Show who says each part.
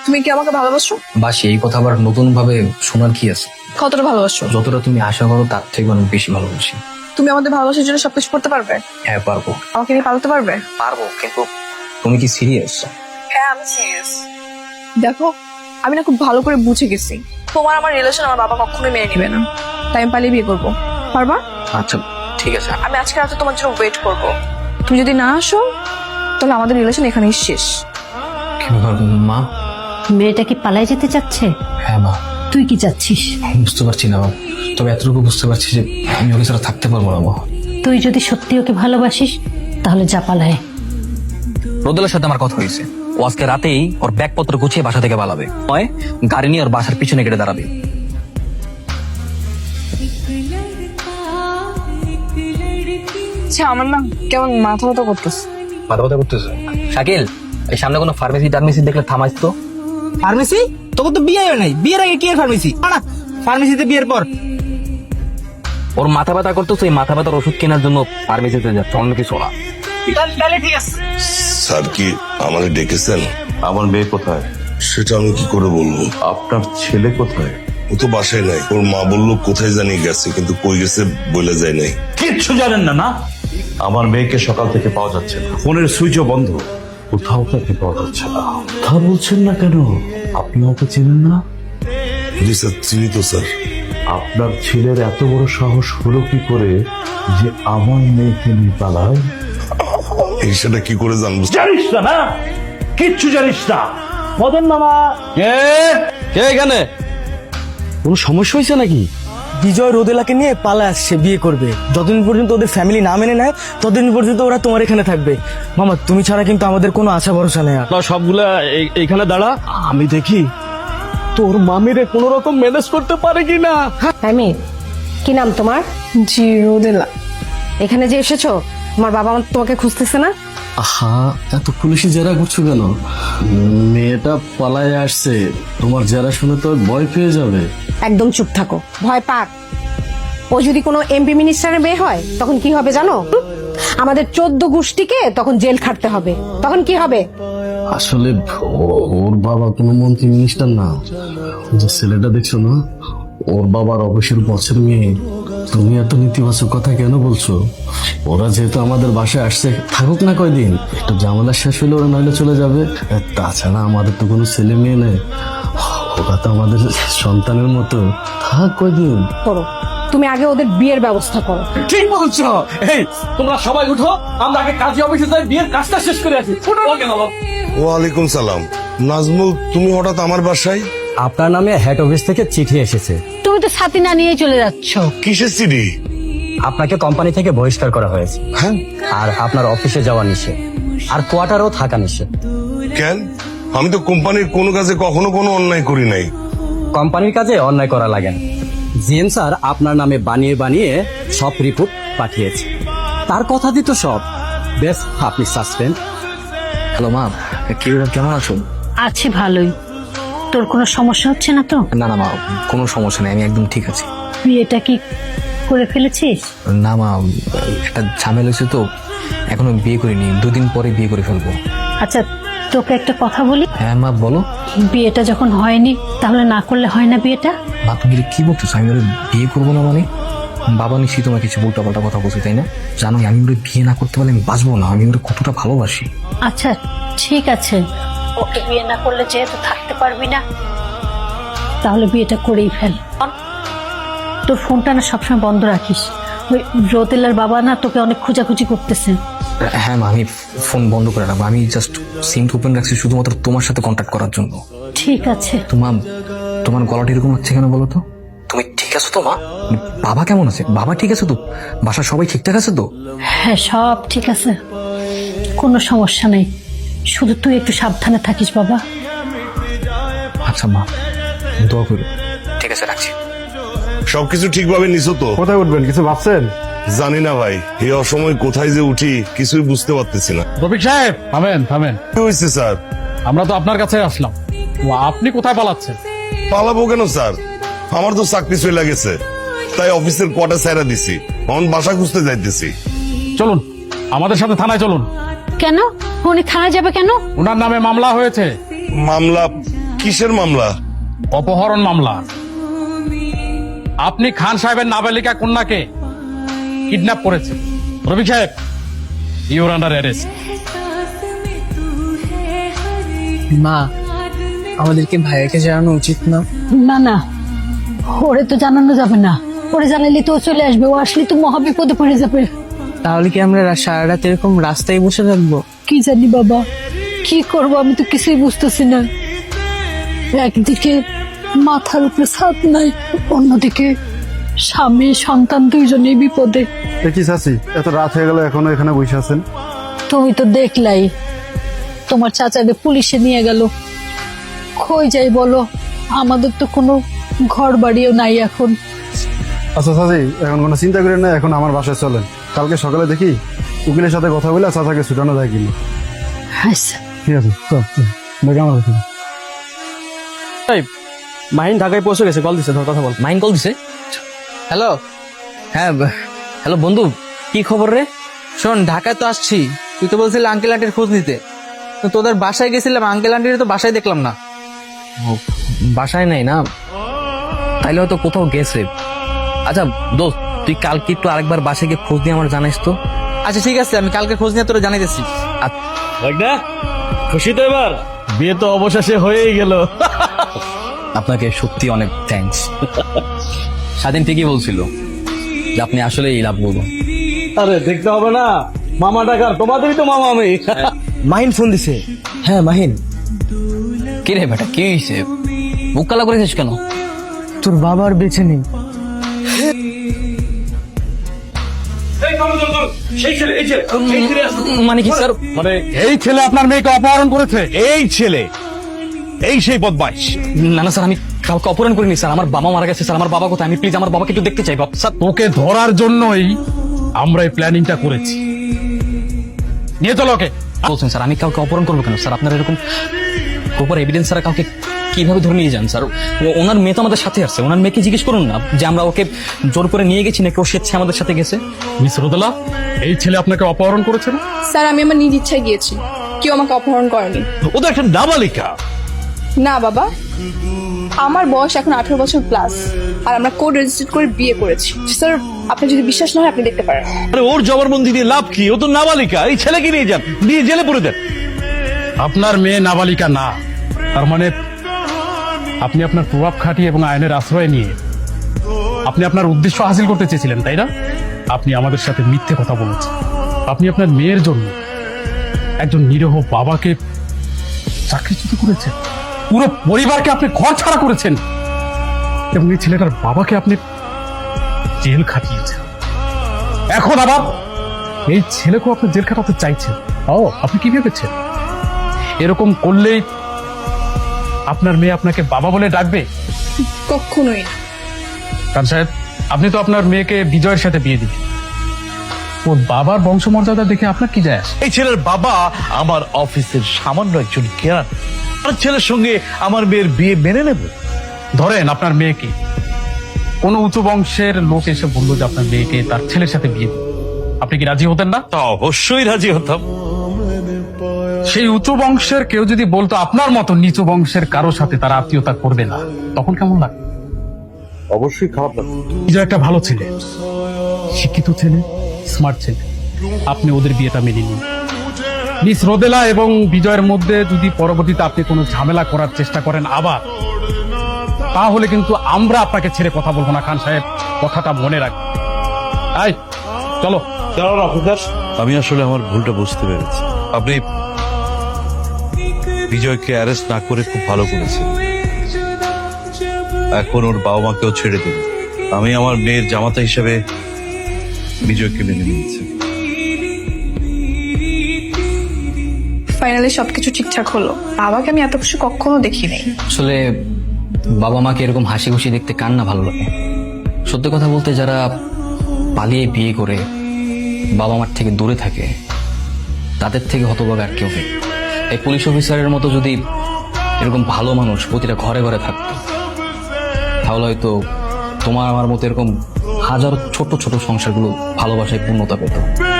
Speaker 1: তুমি কি আমাকে ভালোবাসো?
Speaker 2: বাসি, এই কথা আবার নতুন ভাবে শোনার কি আছে?
Speaker 1: কতটা ভালোবাসো?
Speaker 2: যতটা তুমি আশা করো তার থেকে অনেক বেশি ভালোবাসি।
Speaker 1: তুমি আমাদের ভালোবাসার জন্য সবকিছু করতে পারবে?
Speaker 2: হ্যাঁ পারবো।
Speaker 1: আমাকে নিয়ে পালাতে পারবে?
Speaker 2: পারবো, কিন্তু তুমি কি সিরিয়াস?
Speaker 1: হ্যাঁ আমি সিরিয়াস। দেখো, আমি না খুব ভালো করে বুঝে গেছি তোমার আমার রিলেশন আমার বাবা কখনোই মেনে নিবে না, তাই আমি পালিয়ে বিয়ে করবো। পারবা?
Speaker 2: আচ্ছা ঠিক আছে।
Speaker 1: আমি আজকে রাতে তোমার জন্য ওয়েট করব। তুমি যদি না আসো তাহলে আমাদের রিলেশন এখানেই শেষ।
Speaker 2: কি ব্যাপার মা?
Speaker 3: মেয়েটা কি পালাই যেতে চাচ্ছে?
Speaker 2: হ্যাঁ মা।
Speaker 3: তুই কি চাচ্ছিস?
Speaker 2: বুঝতে পারছি না মা, তবে এতটুকু বুঝতে পারছি যে আমি ওকে ছাড়া থাকতে পারবো না মা।
Speaker 3: তুই যদি সত্যি ওকে ভালোবাসিস তাহলে যা পালায়।
Speaker 2: রোদেলার সাথে আমার কথা হয়েছে, ও আজকে রাতেই ওর ব্যাগপত্র গুছিয়ে বাসা থেকে পালাবে, হয় গাড়ি নিয়ে ওর বাসার পিছনে কেটে দাঁড়াবে।
Speaker 1: আচ্ছা আমার না কেমন মাথা ব্যথা করতেছে।
Speaker 2: মাথা ব্যথা করতেছে? শাকিল, এই সামনে কোনো ফার্মেসি টার্মেসি দেখলে থামাইস তো।
Speaker 4: ফার্মেসি? তোকে তো বিয়ে হয় নাই, বিয়ের আগে কি ফার্মেসি? না, ফার্মেসিতে বিয়ের পর।
Speaker 2: ওর মাথা ব্যথা করতেছে, এই মাথা ব্যথার ওষুধ কেনার জন্য ফার্মেসিতে যাচ্ছে, অন্য কিছু না।
Speaker 4: তাহলে ঠিক আছে।
Speaker 5: স্যার কি আমাকে ডেকেছেন?
Speaker 6: আমার মেয়ে কোথায়?
Speaker 5: সেটা আমি কি করে বলবো?
Speaker 6: আপনার ছেলে কোথায়?
Speaker 5: ও তো বাসায় নাই। ওর মা বললো কোথায় জানি গেছে, কিন্তু কই গেছে বলে যায় নাই।
Speaker 6: কিচ্ছু জানেন না না? আমার মেয়েকে সকাল থেকে পাওয়া যাচ্ছে না, ফোনের সুইচও বন্ধ, কোথাও তাকে পাওয়া যাচ্ছে না। কথা বলছেন না কেন? আপনি ওকে চেনেন না?
Speaker 5: জি স্যার, চিনি তো স্যার।
Speaker 6: আপনার ছেলের এত বড় সাহস হলো কি করে যে আমার মেয়েকে নিয়ে পালায়?
Speaker 5: এই সেটা কি করে জানবো?
Speaker 6: জানিস না না? কিচ্ছু জানিস না। মদন মামা
Speaker 2: কে এখানে? কোনো সমস্যা হয়েছে নাকি?
Speaker 4: বিজয় রোদেলাকে নিয়ে পালা আসছে, বিয়ে করবে। যতদিন পর্যন্ত ওদের ফ্যামিলি না মেনে নেয় ততদিন পর্যন্ত ওরা তোমার এখানে থাকবে। মামা তুমি ছাড়া কিন্তু আমাদের কোনো আশা ভরসা নেই আর।
Speaker 6: সবগুলা এইখানে দাঁড়া, আমি দেখি তোর মামিরে কোন রকম ম্যানেজ করতে পারে কিনা।
Speaker 3: আমি কি নাম তোমার?
Speaker 1: জি রোদেলা।
Speaker 3: এখানে যে এসেছো তোমার বাবা তোমাকে খুঁজতেছে না?
Speaker 7: আহা, এত পুলিশি জেরা করছো কেন? মেয়েটা পালায় আসছে, তোমার জেরা শুনে তো ভয় পেয়ে যাবে।
Speaker 3: একদম চুপ থাকো, ভয় পাক। ও যদি কোনো এমপি মিনিস্টারের মেয়ে হয় তখন কি হবে জানো? আমাদের 14 গোষ্ঠীকে তখন জেল খাটতে হবে। তখন কি হবে?
Speaker 7: আসলে ওর বাবা কোনো মন্ত্রী মিনিস্টার না। যে ছেলেটা দেখছো না, ওর বাবার অবশ্যই বছর মেয়ে। তুমি এত নেতিবাচক কথা কেন বলছো? ওরা যেহেতু আমাদের বাসায় আসছে, থাকুক না কয়দিন, একটু ঝামেলা শেষ হলে ওরা নইলে চলে যাবে। তাছাড়া আমাদের তো কোনো ছেলে মেয়ে নেই, ওরা তো আমাদের সন্তানের মতো। থাক কয়দিন।
Speaker 3: করো, তুমি আগে ওদের বিয়ের ব্যবস্থা করো।
Speaker 4: ঠিক বলছো। এই তোমরা সবাই উঠো, আমরা আগে কাজী অফিসে যাই, বিয়ের কাজটা শেষ করে আসি।
Speaker 5: ওয়ালাইকুম সালাম। নাজমুল, তুমি হঠাৎ আমার বাসায়?
Speaker 8: আপনার নামে হেড অফিস থেকে চিঠি এসেছে।
Speaker 3: তুমি তো সাথী না নিয়ে চলে যাচ্ছ।
Speaker 5: কিসের সিডি?
Speaker 8: আপনাকে কোম্পানি থেকে বহিষ্কার করা হয়েছে।
Speaker 5: হ্যাঁ?
Speaker 8: আর আপনার অফিসে যাওয়া নিষেধ, আর কোয়ার্টারও থাকা নিষেধ।
Speaker 5: কেন? আমি তো কোম্পানির কোনো কাজে কখনো কোনো অন্যায় করি নাই।
Speaker 8: কোম্পানির কাজে অন্যায় করা লাগে না। জিএম স্যার আপনার নামে বানিয়ে বানিয়ে সব রিপোর্ট পাঠিয়েছে, তার কথা দিত সব। বেশ, আপনি সাসপেন্ড।
Speaker 2: হ্যালো মা, কেমন আছো?
Speaker 3: আছি ভালোই। তোর কোনো সমস্যা হচ্ছে না তো?
Speaker 2: না না মা, কোনো সমস্যা নেই, আমি একদম ঠিক আছি।
Speaker 3: বিয়েটা কি করে ফেলেছিস?
Speaker 2: না মা, একটা ঝামেলা হয়েছে তো, এখনো বিয়ে করিনি, 2 দিন পরে বিয়ে করে ফেলবো।
Speaker 3: আচ্ছা তোকে একটা কথা বলি।
Speaker 2: হ্যাঁ মা বলো।
Speaker 3: বিয়েটা যখন হয়নি তাহলে না করলে হয় না বিয়েটা?
Speaker 2: মা তুমি কি বলতেছো? আমি ওরে বিয়ে করবো না মানে? বাবা নিশ্চয়ই তোমার কিছু উল্টাপাল্টা কথা বলছি, তাই না? জানো আমি ওরে বিয়ে না করতে পারলে আমি বাঁচবো না, আমি ওরে কতটা ভালোবাসি।
Speaker 3: আচ্ছা ঠিক আছে, ওকে বিয়ে না করলে যেহেতু থাকতে পারবি না তাহলে বিয়েটা করেই ফেল। তোর ফোনটা না সবসময় বন্ধ রাখিস। ওই রোদেলার বাবা না তোকে অনেক খোঁজাখুঁজি করতেছে।
Speaker 2: হ্যাঁ মা, আমি ফোন বন্ধ করে রাখবো। আমি জাস্ট সিম ওপেন রাখছি শুধুমাত্র তোমার সাথে কন্ট্যাক্ট করার জন্য।
Speaker 3: ঠিক আছে।
Speaker 2: তোমার গলাটা এরকম হচ্ছে কেন বলো তো? তুমি ঠিক আছো তো মা? বাবা কেমন আছে? বাবা ঠিক আছে তো? বাসার সবাই ঠিকঠাক আছে তো?
Speaker 3: হ্যাঁ সব ঠিক আছে, কোনো সমস্যা নেই। শুধু তুই একটু সাবধানে থাকিস বাবা।
Speaker 2: আচ্ছা মা, দোয়া করো। ঠিক আছে, রাখছি।
Speaker 5: সবকিছু ঠিকভাবে নিছো তো?
Speaker 6: কোথায় উঠবেন কিছু ভাবছেন?
Speaker 5: জানি না ভাই, এই অসময় কোথায় যে উঠি কিছুই বুঝতে পারতেছি না।
Speaker 9: রফিক সাহেব থামেন।
Speaker 5: কি হয়েছে স্যার?
Speaker 9: আমরা তো আপনার কাছে আসলাম, আপনি কোথায় পালাচ্ছেন?
Speaker 5: পালাবো কেন স্যার? আমার তো চাকরি চলে গেছে, তাই অফিসের কোয়ার্টার ছাইরা দিছি। এখন বাসা খুঁজতে যাইতেছি।
Speaker 9: চলুন আমাদের সাথে থানায় চলুন।
Speaker 3: কেন? উনি থানায় যাবে কেন?
Speaker 9: ওনার নামে মামলা হয়েছে।
Speaker 5: মামলা? কিসের মামলা?
Speaker 9: অপহরণ মামলা। আপনি খান সাহেবের নাবালিকা কন্যাকে কিডন্যাপ করেছেন। রবি সাহেব, ইউর আন্ডার অ্যারেস্ট।
Speaker 4: মা, আমাদেরকে ভাইয়াকে জানানো উচিত না?
Speaker 3: না না, ওরে তো জানানো যাবে না। ওরে জানাইলে তো ও চলে আসবে, ও আসলে তো মহা বিপদে পড়ে যাবে।
Speaker 4: তাহলে কি আমরা সারা রাত এরকম রাস্তায় বসে থাকবো?
Speaker 3: কি জানি বাবা, কি করব আমি তো কিছুই বুঝতেছি না। একদিকে মাথার উপরে ছাদ নাই, অন্যদিকে স্বামী সন্তান দুইজনেই বিপদে।
Speaker 10: কি চাচি, এত রাত হয়ে গেল এখনো এখানে বসে আছেন?
Speaker 3: তুমি তো দেখলাই তোমার চাচাকে পুলিশে নিয়ে গেল। কই যাই বলো, আমাদের তো কোনো ঘর বাড়িও নাই এখন।
Speaker 10: আচ্ছা চাচি, এখন কোনো চিন্তা করেন না, এখন আমার বাসায় চলেন। কালকে সকালে দেখি উকিলের সাথে কথা বলে চাচাকে ছুটানো যায় কিনা।
Speaker 3: আচ্ছা
Speaker 10: ঠিক আছে, চল দেখে আমার কাছে।
Speaker 4: মাহিন ঢাকায় পৌঁছে গেছে, কল দিছে, ধর কথা বল।
Speaker 2: মাইন কল দিছে? হ্যালো, হ্যাঁ হ্যালো বন্ধু, কি খবর রে?
Speaker 11: শোন, ঢাকায় তো আসছি, তুই তো বলছিলি আঙ্কেল আন্টির খোঁজ নিতে। তো তোদের বাসায় গেছিলাম, আঙ্কেল আন্টির তো বাসায় দেখলাম না।
Speaker 2: ও, বাসায় নাই না? তাইলে হয়তো কোথাও গেছে। আচ্ছা দোস্ত, তুই কালকে একটু আরেকবার বাসায় গিয়ে খোঁজ দিয়ে আমার জানাইস তো।
Speaker 11: আচ্ছা ঠিক আছে, আমি কালকে খোঁজ নিয়ে তোরা জানাইতেছি।
Speaker 8: খুশি তো এবার? বিয়ে তো অবশেষে হয়েই গেল।
Speaker 2: আপনাকে সত্যি অনেক থ্যাঙ্কস। স্বাধীন ঠিকই বলছিল যে আপনি আসলে লাভ করবো।
Speaker 8: আরে দেখতে হবে না, মামা ডাকার, তোমাদেরই তো মামা আমি।
Speaker 4: মাহিন ফোন দিছে। হ্যাঁ মাহিন,
Speaker 2: কে রে বেটা, কি হয়েছে? মুখ কালা করেছিস কেন?
Speaker 4: তোর বাবা আর বেঁচে নেই।
Speaker 2: মানে কি স্যার?
Speaker 9: মানে এই ছেলে আপনার মেয়েকে অপহরণ করেছে?
Speaker 6: এই ছেলে, এই সেই বদমাইশ।
Speaker 2: না না স্যার, আমি কাউকে অপহরণ করিনি স্যার। আমার বাবা মারা গেছে স্যার। আমার বাবা কোথায়? আমি প্লিজ আমার বাবাকে একটু দেখতে চাই স্যার।
Speaker 9: তোকে ধরার জন্যই আমরা এই প্ল্যানিংটা করেছি। নিয়ে চলো ওকে।
Speaker 2: বলছেন স্যার, আমি কাউকে অপহরণ করবো কেন স্যার? আপনার এরকম প্রপার এভিডেন্স ছাড়া কাউকে কিভাবে ধরে নিয়ে যান স্যার? ওনার মেয়ে তো আমাদের সাথে আসছে, ওনার মেয়েকে জিজ্ঞেস করুন না যে আমরা ওকে জোর করে নিয়ে গেছি নাকি ও স্বেচ্ছে আমাদের সাথে গেছে।
Speaker 9: মিস রোদেলা, এই ছেলে আপনাকে অপহরণ করেছে না?
Speaker 1: স্যার, আমি আমার নিজ ইচ্ছায় গিয়েছি, কেউ আমাকে অপহরণ করেনি।
Speaker 6: ও তো একটা নাবালিকা।
Speaker 1: না বাবা, আমার বয়স এখন 18 বছর প্লাস, আর আমরা কোড রেজিস্টার করে বিয়ে করেছি। স্যার, আপনি যদি বিশ্বাস না হয় আপনি দেখতে পারেন।
Speaker 6: আরে ওর জবানবন্দি দিয়ে লাভ কি? ও তো নাবালিকা। এই ছেলেকে নিয়ে যান, নিয়ে জেলে পুরে দেন।
Speaker 9: আপনার মেয়ে নাবালিকা না, তার মানে আপনি আপনার প্রভাব খাটিয়ে এবং আইনের আশ্রয় নিয়ে আপনি আপনার উদ্দেশ্য হাসিল করতে চেয়েছিলেন, তাই না? আপনি আমাদের সাথে মিথ্যে কথা বলেছেন। আপনি আপনার মেয়ের জন্য একজন নিরীহ বাবাকে চাকরিচ্যুত করেছেন, পুরো পরিবারকে আপনি ঘর ছাড়া করেছেন, এবং এই ছেলেটার বাবাকে আপনি জেল খাটিয়েছেন। এখন আবার এই ছেলেকেও আপনি জেল খাটাতে চাইছেন। ও, আপনি কি ভেবেছেন এরকম করলেই আপনার মেয়ে আপনাকে বাবা বলে ডাকবে?
Speaker 1: কখনোই না।
Speaker 9: খান সাহেব, আপনি তো আপনার মেয়েকে বিজয়ের সাথে বিয়ে দিবেন। ওর বাবার বংশমর্যাদা দেখে আপনার কি যায় আসে?
Speaker 6: এই ছেলের বাবা আমার অফিসের সামান্য একজন কেরান। আর ছেলের সঙ্গে আমার মেয়ের বিয়ে মেনে নেব?
Speaker 9: ধরেন আপনার মেয়েকে কোনো উঁচু বংশের লোক এসে বললো যে আপনার মেয়েকে তার ছেলের সাথে বিয়ে দিন, আপনি কি রাজি হতেন না?
Speaker 6: তা অবশ্যই রাজি হতাম।
Speaker 9: সেই উঁচু বংশের কেউ যদি বলতো আপনার মতো নিচু বংশের কারো সাথে তারা আত্মীয়তা করবে না, তখন কেমন লাগবে?
Speaker 6: অবশ্যই খারাপ লাগবে।
Speaker 9: বিজয় একটা ভালো ছেলে, শিক্ষিত ছেলে, স্মার্ট ছেলে। আপনি ওদের বিয়েটা মেনে নিন। মিস রোদেলা এবং বিজয়ের মধ্যে যদি পরবর্তীতে আপনি কোনো ঝামেলা করার চেষ্টা করেন আবার, তাহলে কিন্তু আমরা আপনাকে ছেড়ে কথা বলবো না। খান সাহেব, কথাটা মনে রাখবেন। আই চলো।
Speaker 6: আমি আসলে আমার ভুলটা বুঝতে পেরেছি। আপনি বিজয়কে অ্যারেস্ট না করে খুব ভালো করেছেন। এখন ওর বাবা মাকেও ছেড়ে দেব। আমি আমার মেয়ের জামাতা হিসেবে বিজয়কে মেনে নিয়েছি।
Speaker 1: ফাইনালি সবকিছু ঠিকঠাক হলো। বাবাকে আমি এত কিছু কখনো দেখি নাই।
Speaker 2: আসলে বাবা মাকে এরকম হাসি খুশি দেখতে কার না ভালো লাগে? সত্যি কথা বলতে, যারা পালিয়ে বিয়ে করে বাবা মার থেকে দূরে থাকে তাদের থেকে হতভাগা আর কেউ নেই। এই পুলিশ অফিসারের মতো যদি এরকম ভালো মানুষ প্রতিটা ঘরে ঘরে থাকতো, তাহলে হয়তো তোমার আমার মতো এরকম হাজারো ছোট ছোট সংসারগুলো ভালোবাসায় পূর্ণতা পেত।